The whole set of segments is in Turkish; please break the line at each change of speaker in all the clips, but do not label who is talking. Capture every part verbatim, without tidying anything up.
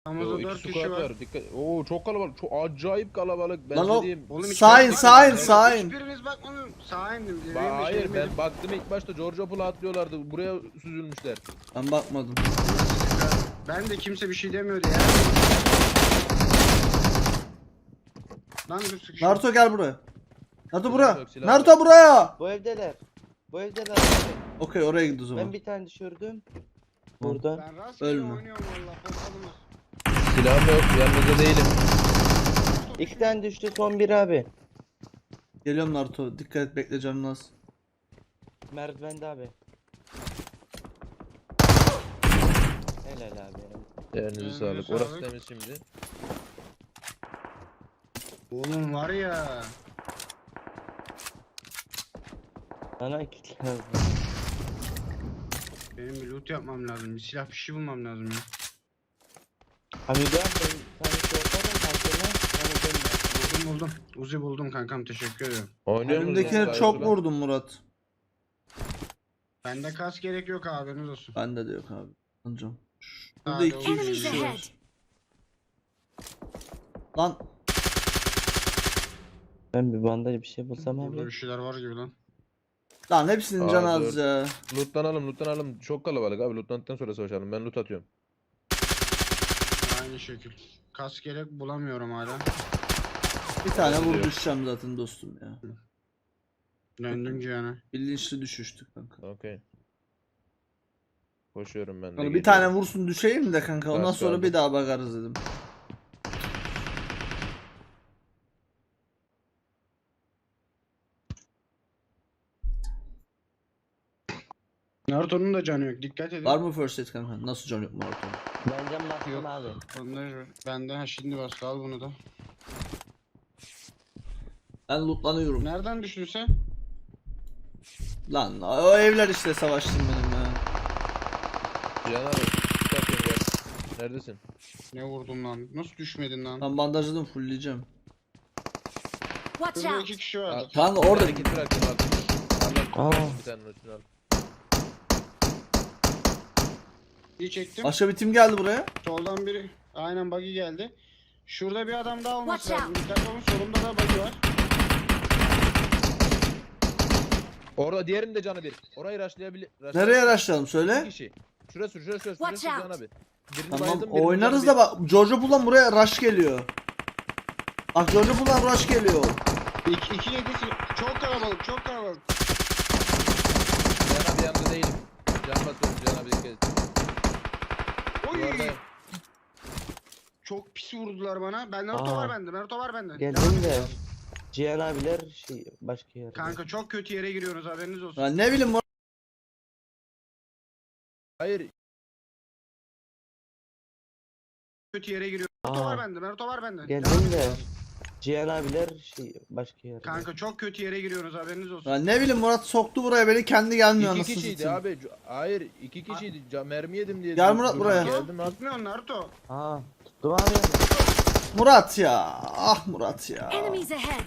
Amazon
Yo,
dört
iki
kişi
squad
var.
var. Dikkat. Oo çok kalabalık. Çok acayip kalabalık. Ben
Lan
size
o-
diyeyim.
Oğlum hiç
Sağ in,
bakmadım.
sağ in,
Ben-
sağ in.
Hiçbiriniz bakmadın. Sağ indim.
Ba-
Benim de
hayır
şeyim
ben
benim.
baktım ilk başta George Pool'a atlıyorlardı. Buraya süzülmüşler.
Ben bakmadım.
Ben de kimse bir şey demiyordu ya. Lan dur sıkışın.
Naruto gel buraya. Naruto buraya.
Yok, silah
Naruto buraya.
Bu evdeler. Bu evdeler. abi.
Okey oraya gidiyor o zaman.
Ben bir tane düşürdüm. Burada.
Ben rastgele
Ölme.
oynuyorum valla. Pompalımız.
Silahım yok. Yanınızda değilim.
İki tane düştü, son bir abi.
Geliyorum Naruto. Dikkat et, bekle canın az.
Merdivende abi. Helal abi.
Yerinize
Yerinize
sağlık.
sağlık.
Orası temiz şimdi.
Oğlum var ya.
Bana iki lazım.
Benim bir loot yapmam lazım. Bir silah bir şey bulmam lazım ya.
Abi ben ben sana sorarım kankana. Bana dönme.
Buldum buldum. Uzi buldum kankam, teşekkür ederim.
Oynuyor musunuz?
Önümdekine
Gayet
çok
ulan.
vurdum Murat.
Bende kas gerek yok, haberiniz olsun.
Bende de yok abi. Anlayacağım. Burada
Hadi
iki
oğlum.
Enemies
kişi
ahead.
var. Lan
Ben bir bandaj bir şey bulsam
Burada
abi.
bir şeyler var gibi lan.
lan hepsinin
Aa,
canı az
dört.
ya.
Lootlanalım lootlanalım. Çok kalabalık abi. Lootlandıktan sonra savaşalım. Ben loot atıyorum.
Aynı şekil. Kas gerek bulamıyorum hala.
Bir tane
Bende de
vur
yok.
düşeceğim zaten dostum ya.
Döndüm Cihan'a.
Bilinçli düşüştük kanka.
Okey. Koşuyorum ben de.
Kanka bir
geliyorum.
tane vursun düşeyim de kanka ondan
Kas
sonra
kaldı.
bir daha bakarız dedim.
Naruto'nun da canı yok, dikkat edin.
Var mı first aid kanka? Nasıl can yok Murat?
Benden bastım
Yok.
abi.
Onlar benden, ha şimdi bas, al bunu da.
Ben lootlanıyorum.
Nereden düştün sen?
Lan o evler işte savaştım benim ya.
Cihan abi. loot atıyorum gel. Neredesin?
Ne vurdum lan? Nasıl düşmedin lan?
Ben bandajladım fullleyeceğim.
Watch
Burada
out!
iki kişi vardı.
Kanka orada
Bir tane kit bıraktım abi.
Aa.
Al, bir tane üstüne al.
Bir çektim.
başka bir tim geldi buraya.
Soldan biri. Aynen buggy geldi. Şurada bir adam daha olması
Watch
lazım. Dikkat olun, solumda da buggy var.
Orada diğerinin de canı bir. Orayı rushlayabilir. rushlayabilir.
Nereye araçlayalım
İki
söyle.
kişi. Şurası şurası şurası.
Watch
Şurası
out.
Cihan abi. Birini
Tamam
bayıldım, birini
oynarız
canı
da bak George Pool'dan buraya rush geliyor. Bak George Pool'dan rush geliyor.
İki, iki yedi. Çok kalabalık, çok kalabalık.
bir. Cihan abi yanında değilim. Can basıyorum Cihan abi dikkat et.
Oy!
Duvarda.
Çok pis vurdular bana. Ben Naruto
Aa.
var bende. Naruto var bende.
Geldim de. Cihan abiler şey başka yerde.
Kanka çok kötü yere giriyorsunuz, haberiniz olsun.
Ya ne bileyim Murat.
Hayır.
Kötü yere giriyorsunuz. Naruto
Aa.
var bende. Naruto var bende.
Geldim de. Cihan abiler şey başka yerde.
Kanka çok kötü yere giriyorsunuz, haberiniz olsun.
Ya ne bileyim Murat soktu buraya beni kendi gelmiyor
İki
anasını
kişiydi
satayım.
abi. C- Hayır iki kişiydi. Ca- mermi yedim diye.
Gel
dur-
Murat
durdum,
buraya.
Geldim abi.
Tutmuyorsun Naruto.
Aa, tuttum abi.
Murat ya. Ah Murat ya.
Enemies ahead!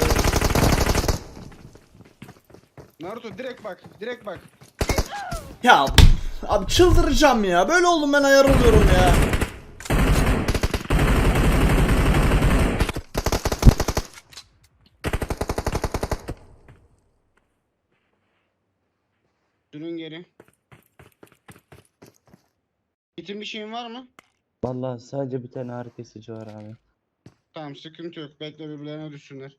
Naruto direkt bak. Direkt bak.
Ya abi çıldıracağım ya. Böyle oldum ben ayar oluyorum ya.
Dönün geri. Gitin bir şeyin var mı?
Vallahi sadece bir tane ağrı kesici var abi.
Tamam, sıkıntı yok. Bekle, birbirlerine düşsünler.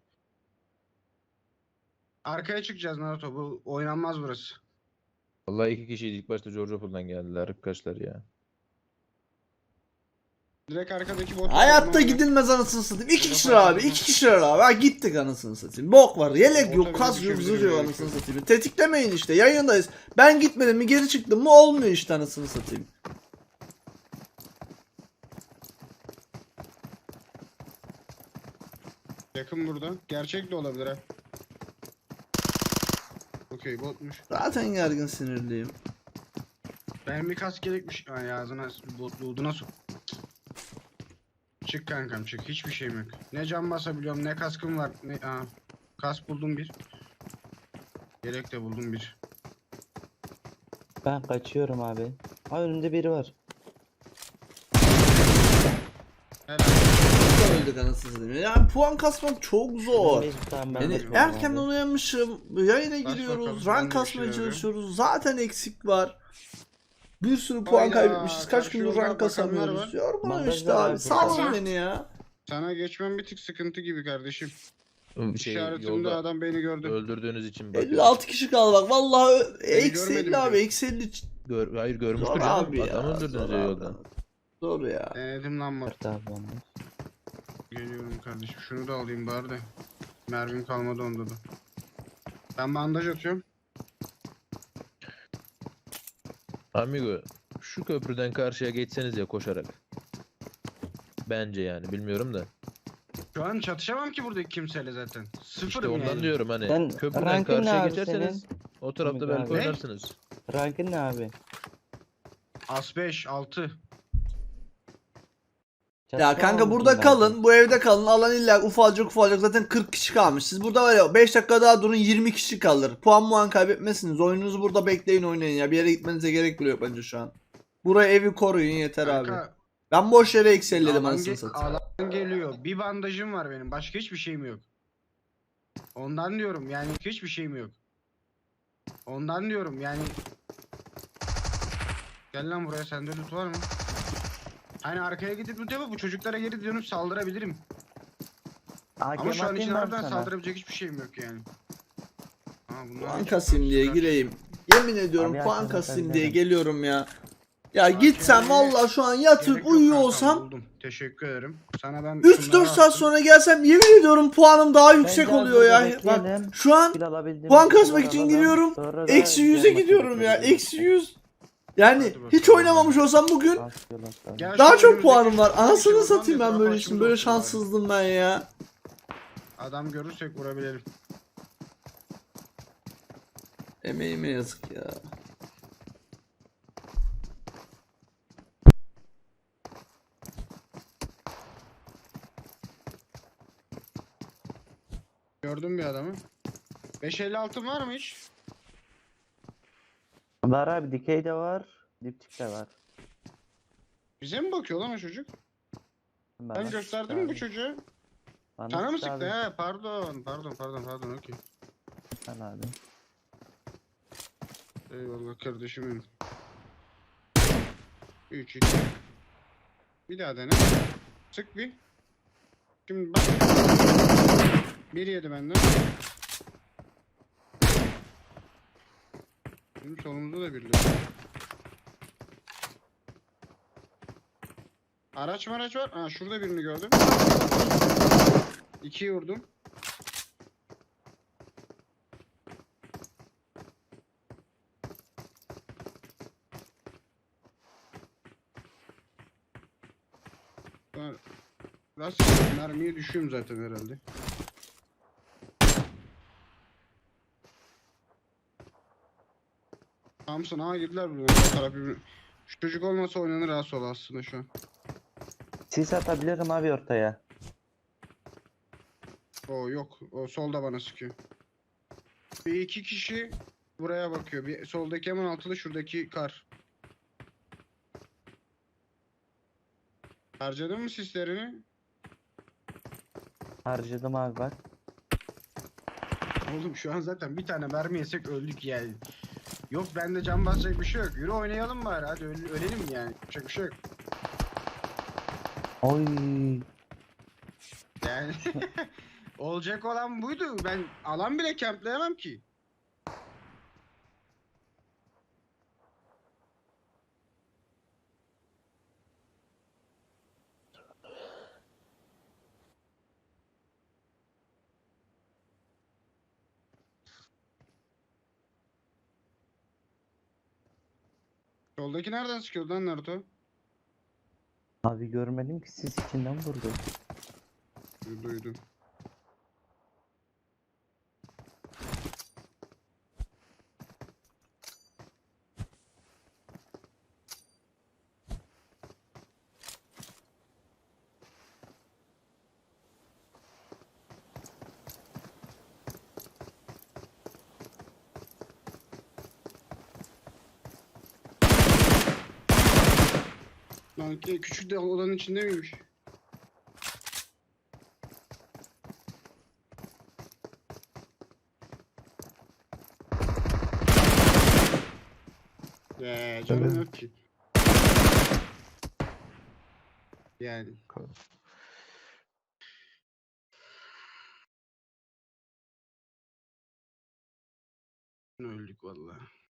Arkaya çıkacağız Naruto. Bu oynanmaz burası.
Vallahi iki kişiydi. İlk başta George Pool'dan geldiler. Arkadaşlar ya.
Direkt arkadaki bot.
Hayatta gidilmez anasını satayım. İki kişiler abi. iki kişiler abi. Ha gittik anasını satayım. Bok var. Yelek yok. Kas yok. Zırh yok anasını satayım. Tetiklemeyin işte. Yayındayız. Ben gitmedim mi geri çıktım mı olmuyor işte anasını satayım.
Yakın burada. Gerçek de olabilir ha. Okey, botmuş.
Zaten gergin sinirliyim.
Benim bir kas gerekmiş. Ay ağzına bot bulduğuna sok. Çık kankam çık. Hiçbir şeyim yok. Ne can basabiliyorum, ne kaskım var. Ne aa, kas buldum bir. Gerek de buldum bir.
Ben kaçıyorum abi. Aa, önümde biri var.
Helal.
Öldük anasını satayım. Yani puan kasmak çok zor.
Tamam, ben
Yani
bakıyorum
erkenden
abi.
uyanmışım, yayına
Bas
giriyoruz,
bakalım, ben
rank
de bir
kasmaya
şey
çalışıyoruz. Zaten eksik var. Bir sürü puan
Hayda,
kaybetmişiz. Kaç
karşı
gündür
yolda
rank
bakanlar
kasamıyoruz.
var.
Yorgunum
Bandaj
işte
var
abi.
abi.
Salın
Kaçak.
beni ya.
Sana geçmem bir tık sıkıntı gibi kardeşim.
Şey,
İşaretimde
yolda
adam beni gördü.
öldürdüğünüz için bakıyorum.
elli altı kişi kaldı bak. Vallahi ö- eksi
görmedim
elli abi.
diyor.
Eksi elli.
Gör, hayır
Zor
görmüştür canım.
abi ya.
Adam
Zor
öldürdünüz ya
abi.
yolda.
Zor ya.
Denedim lan bak.
Dört abi bandaj.
Geliyorum kardeşim. Şunu da alayım bari de. Mermim kalmadı onda da. Ben bandaj atıyorum.
Amigo şu köprüden karşıya geçseniz ya koşarak. Bence yani bilmiyorum da.
Şu an çatışamam ki buradaki kimseyle zaten. Sıfırım
İşte ondan
yani.
diyorum hani
Sen
köprüden
rankın ne
karşıya
abi
geçerseniz
senin?
o tarafta
Amigo
belki
abi.
oynarsınız.
Rankın ne abi?
As beş, altı.
Ya
Çatışma
kanka
mı
burada
buldun
kalın,
abi?
bu evde kalın. Alan illa ufalacak ufalacak. Zaten kırk kişi kalmış. Siz burada var ya beş dakika daha durun, yirmi kişi kalır. Puan muan kaybetmezsiniz. Oyununuzu burada bekleyin, oynayın ya. Bir yere gitmenize gerek bile yok bence şu an. Buraya evi koruyun yeter abi.
Kanka,
Ben boş yere ekselledim
alan,
anasını
ge-
satayım.
alan geliyor. Bir bandajım var benim. Başka hiçbir şeyim yok. Ondan diyorum yani hiçbir şeyim yok. Ondan diyorum yani. Gel lan buraya, sende loot var mı? Hani arkaya gidip loot yapıp bu çocuklara geri dönüp saldırabilirim. Ama şu an için harbiden saldırabilecek hiçbir şeyim yok yani. Ha, bunlar
Puan
hiç-
kasayım diye
süper.
gireyim. Yemin ediyorum
Abi
puan
aklıma
kasayım
sen
diye
dedim.
geliyorum ya. Ya
Bak
gitsem
yani-
valla şu an yatıp
Gerek yok
uyuyor
kankam,
olsam
buldum. Teşekkür ederim. Sana ben
üç
şunları
dört saat
attım.
sonra gelsem yemin ediyorum puanım daha yüksek
Bence
oluyor ya.
burada
Bak
bekleyelim.
şu an
Kill alabildiğimiz
puan
kill
kasmak için
alalım.
giriyorum.
Sonra da
eksi yüze
diğer maça
gidiyorum ya.
geçeriz.
Eksi yüz. Yani
Hadi bakalım.
hiç oynamamış olsam bugün
Az kill atalım.
Gel
daha
şu
çok
önümüzdeki
puanım var.
şu
Anasını
işi buradan
satayım
bir
ben
etrafa
böyle için.
açımız
Böyle
olsun bari.
şanssızdım ben ya.
Adam görürsek vurabilirim.
Emeğime yazık ya.
Gördüm bir adamı. beş elli altı var mı hiç?
Var abi, dikey de var. Dipçik de var.
Bize mi bakıyor lan o çocuk?
Bana
Ben
sıktı
gösterdim mi bu
abi.
çocuğa?
Bana
Sana mı
sıktı
sıktı?
abi.
He pardon. Pardon pardon pardon okey.
Al abi.
Eyvallah kardeşim benim. üç iki. Bir daha dene. Sık bir. Şimdi bak. Bir yedi benden. Bizim solumuzda da birileri. Araç maraç var. Ha şurada birini gördüm. İkiyi vurdum. Ben rastgele mermiye düşüyorum zaten herhalde. Thompson ağa girdiler buradan. Her taraf birbirine. Şu çocuk olmasa oynanır ha sol aslında şu an.
Sis atabilirim abi ortaya.
O yok. O solda bana sıkıyor. Bir iki kişi buraya bakıyor. Bir soldaki hemen altılı, şuradaki kar. Harcadın mı sislerini?
Harcadım abi bak.
Oğlum şu an zaten bir tane mermi yesek öldük yani. Yok bende can basacak bir şey yok. Yürü oynayalım bari, hadi öl- ölelim yani. Yapacak bir şey yok.
Oy.
Yani olacak olan buydu. Ben alan bile kempleyemem ki. Soldaki nereden sıkıyordu lan Naruto?
Abi görmedim ki, sis içinden vurdu.
Duydum. Lan ki küçük de odanın içinde miymiş? be. Canım
Evet.
yok ki. Yani. Öldük vallahi.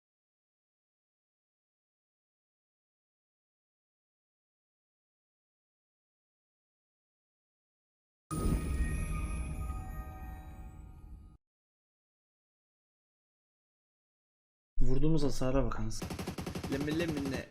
Vurduğumuz hasara bakınız. Lemme lemme.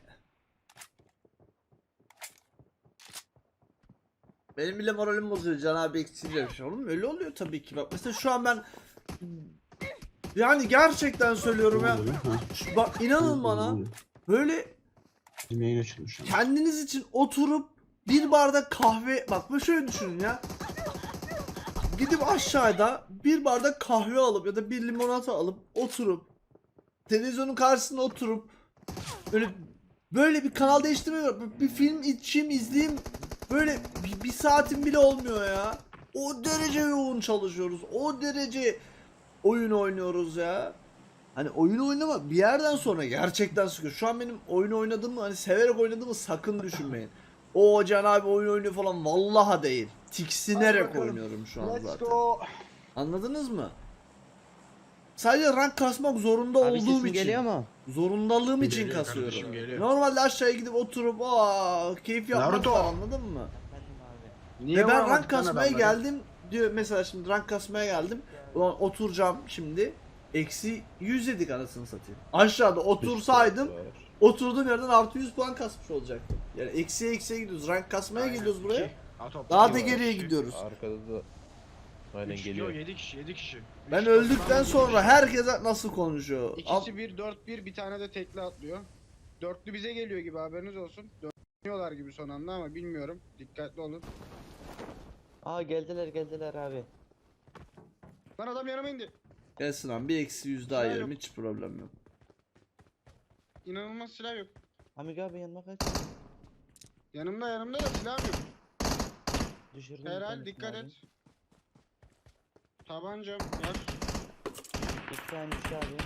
Benim bile moralim bozuyor Can abi eksiği demiş. Oğlum öyle oluyor tabii ki. Bak mesela şu an ben yani gerçekten söylüyorum ya. Şu- Bak inanın bana böyle
Bizim yayın açılmış ama.
kendiniz için oturup bir bardak kahve bak böyle şöyle düşünün ya. Gidip aşağıda bir bardak kahve alıp ya da bir limonata alıp oturup televizyonun karşısında oturup böyle böyle bir kanal değiştirmiyor. Bir film içeyim izleyeyim böyle bir, bir saatim bile olmuyor ya. O derece yoğun çalışıyoruz. O derece oyun oynuyoruz ya. Hani oyun oynama bir yerden sonra gerçekten sıkıyor. Şu an benim oyun oynadığımı hani severek oynadığımı sakın düşünmeyin. O Can abi oyun oynuyor falan vallaha değil. Tiksinerek oynuyorum şu an zaten. Anladınız mı? Sadece rank kasmak zorunda
Abi
olduğum
sesim
için.
geliyor mu?
Zorundalığım için
Geliyor
kasıyorum.
kardeşim, geliyor.
Normalde aşağıya gidip oturup aa keyif yapmak
Naruto.
var anladın mı?
Efendim abi.
Niye
Ve ben
vuramadık
rank
lan
kasmaya
adamları?
geldim diyor mesela şimdi rank kasmaya geldim. Ulan oturacağım şimdi. Eksi yüz yedik anasını satayım. Aşağıda otursaydım oturduğum yerden artı yüz puan kasmış olacaktım. Yani eksiye eksiye gidiyoruz. Rank kasmaya
Aynen.
geliyoruz buraya.
İki. Aa, toplam
Daha da
iki var,
geriye
iki.
gidiyoruz.
Arkada da aynen
Üç,
geliyor.
Yok yedi kişi yedi kişi.
Ben
Üç
öldükten
toplam yedi
sonra
kişi.
herkes nasıl konuşuyor? Al-
İkisi bir dört bir bir tane de tekli atlıyor. Dörtlü bize geliyor gibi haberiniz olsun. Dönüyorlar gibi son anda ama bilmiyorum. Dikkatli olun.
Aa geldiler geldiler abi.
Lan adam yanıma indi.
Gelsin abi bir eksi yüz daha
Silah
yerim
yok.
hiç problem yok.
İnanılmaz silah yok.
Amigo abi yanıma kaç.
Yanımda yanımda da silah yok.
Düşürdüm. bir
Herhal
tanesini
dikkat
abi.
et. Tabancam var.
İki tane düştü abi.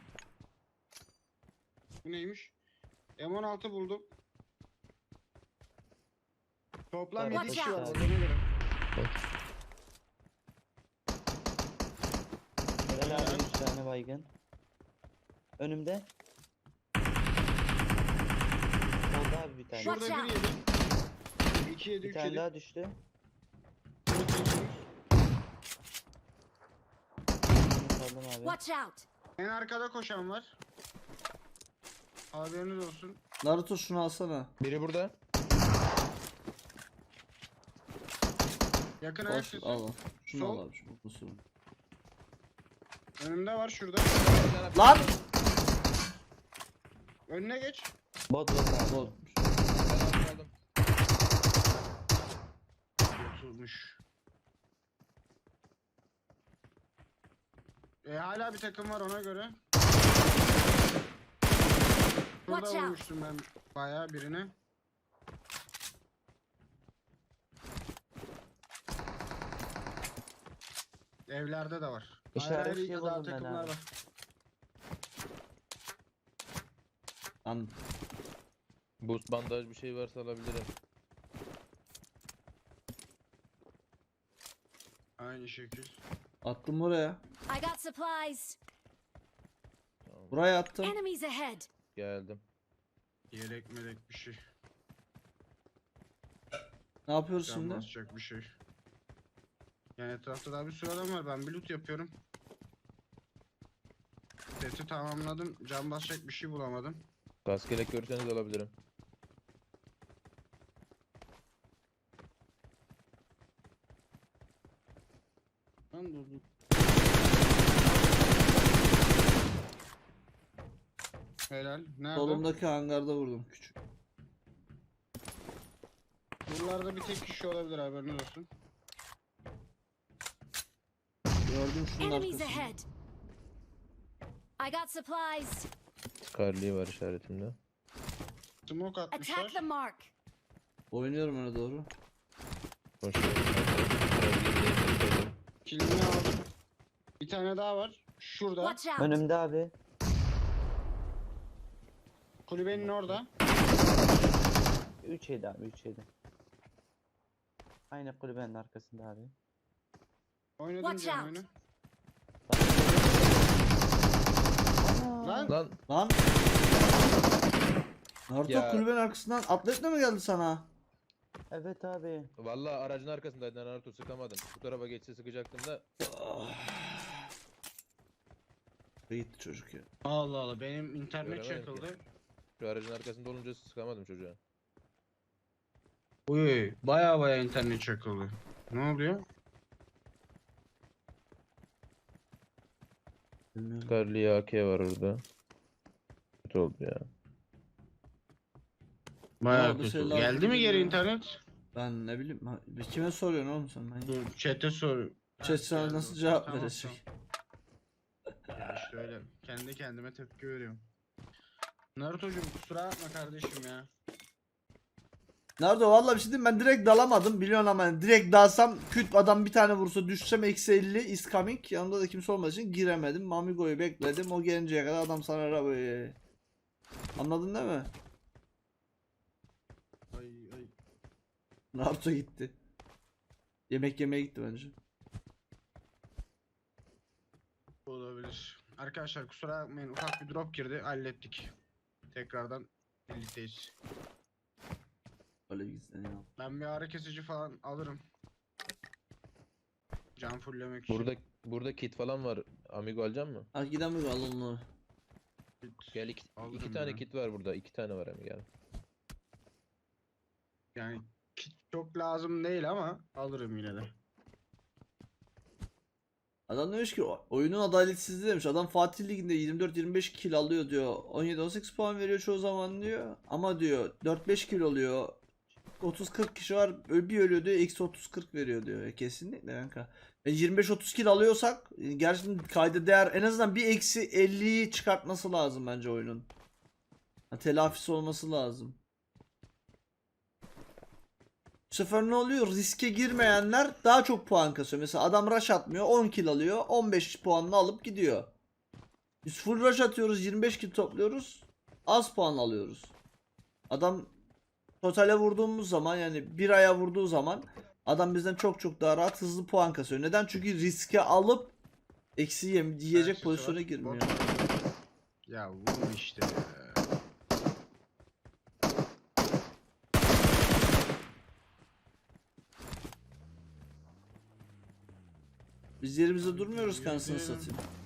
Bu neymiş? M on altı buldum. Toplam yedi
Watch
kişi var
out.
burada ne göre.
Helal abi üç tane baygın. Önümde. Solda abi bir tane.
Watch
Şurada
out.
bir yedi. iki yedi
Bir
üç
tane
yedi.
daha düştü. Bunu saldım abi.
Watch out!
En arkada koşan var. Haberiniz olsun.
Naruto şunu alsana.
Biri burada.
Yakın ayak
Al,
sesi.
al al. Şunu
Sol.
al abi şu kutusunu.
Önümde var şurada.
Lan!
Önüne geç.
Bot bot abi.
Bol.
Aldım.
Oturmuş. E, hala bir takım var ona göre. Burada
Watch out.
vurmuştum ben bayağı birine. Evlerde de var. Ayrı ayrı
İşaretli
daha
buldum ben
takımlar
abi.
var.
Lan
Boost bandaj bir şey varsa alabilirim.
Aynı şekil.
attım oraya.
I got supplies.
Tamam.
Buraya attım.
Enemies ahead.
Geldim.
Yelek melek bir şey.
Ne yapıyoruz
Can
şimdi?
basacak bir şey. Yani etrafta daha bir sürü adam var. Ben bir loot yapıyorum. Seti tamamladım. Can basacak bir şey bulamadım.
Kask yelek görürseniz alabilirim.
Lan dur dur. Helal. Nerede?
Solumdaki hangarda vurdum küçük.
Buralarda bir tek kişi olabilir haberiniz olsun.
Gördüm şunun
Enemies
arkasında.
ahead. I got supplies.
Scarlet'i var işaretimde.
Smoke atmışlar.
Attack the mark.
Oynuyorum öne doğru.
Koşuyorum.
Kilini aldım. Bir tane daha var. Şurada.
Watch out!
Önümde abi.
Kulübenin orada.
üç yedi abi üç yedi. Aynı kulübenin arkasında abi.
Oynadım
Watch
canım
out.
oyunu.
Ana!
Lan
Lan
Lan. Naruto
Ya.
kulübenin arkasından atletle mi geldi sana?
Evet abi.
vallahi aracın arkasındaydı Naruto, sıkamadım. Bu tarafa geçse sıkacaktım da.
Gitti çocuk ya.
Allah Allah benim internet
Göremedim ki.
çakıldı.
Şu aracın arkasında olunca sıkamadım çocuğa.
Uy baya baya internet çakıldı. Ne oluyor?
Bilmiyorum.
Carly A K var orada. Kötü oldu ya.
Baya
oldu,
kötü.
şeyler
Geldi mi geri
bilmiyorum.
internet?
Ben ne bileyim. ha- Kime soruyorsun oğlum sen? Ben...
Dur chat'e sor.
Chat sana
geldi
nasıl
o.
cevap
Tamam,
verecek?
tamam. Ya işte öyle. Kendi kendime tepki veriyorum. Naruto'cum kusura bakma kardeşim ya.
Nerede vallahi bir şey diyeyim, ben direkt dalamadım biliyorsun ama yani direkt dalsam küt adam bir tane vursa düşsem eksi elli is coming, yanımda da kimse olmadığı için giremedim. Mamigo'yu bekledim, o gelinceye kadar adam sana arabayı. Anladın değil mi?
Ay ay.
Naruto gitti. Yemek yemeye gitti bence.
Olabilir. Arkadaşlar kusura bakmayın ufak bir drop girdi hallettik. Tekrardan birlikteyiz.
Öyle gitsin ya.
Ben bir ağrı kesici falan alırım. Can fulllemek için.
Burada burada kit falan var. Amigo alacak mı?
Hadi gidelim mi al onları.
Gel iki,
Alırım
iki tane
ya.
kit var burada. İki tane var Amigo. Gel.
Yani kit çok lazım değil ama alırım yine de.
Adam demiş ki "O- oyunun adaletsizliği" demiş. Adam Fatih Ligi'nde yirmi dört yirmi beş kill alıyor diyor. on yedi on sekiz puan veriyor çoğu zaman diyor. Ama diyor dört beş kill oluyor. otuz kırk kişi var. Ö- Bir ölüyor diyor. Eksi otuz kırk veriyor diyor. E, kesinlikle kanka. E, yirmi beş otuz kill alıyorsak e, gerçekten kayda değer en azından bir eksi elliyi çıkartması lazım bence oyunun. Ha, telafisi olması lazım. Bu sefer ne oluyor? Riske girmeyenler daha çok puan kasıyor. Mesela adam rush atmıyor, on kill alıyor, on beş puanını alıp gidiyor. Biz full rush atıyoruz, yirmi beş kill topluyoruz, az puan alıyoruz. Adam totale vurduğumuz zaman, yani bir aya vurduğu zaman adam bizden çok çok daha rahat hızlı puan kasıyor. Neden? Çünkü riske alıp eksi yem yiyecek
Herkes
pozisyona
var.
girmiyor.
Bot. Ya vurun işte ya.
Biz yerimizde durmuyoruz, kanısını satayım.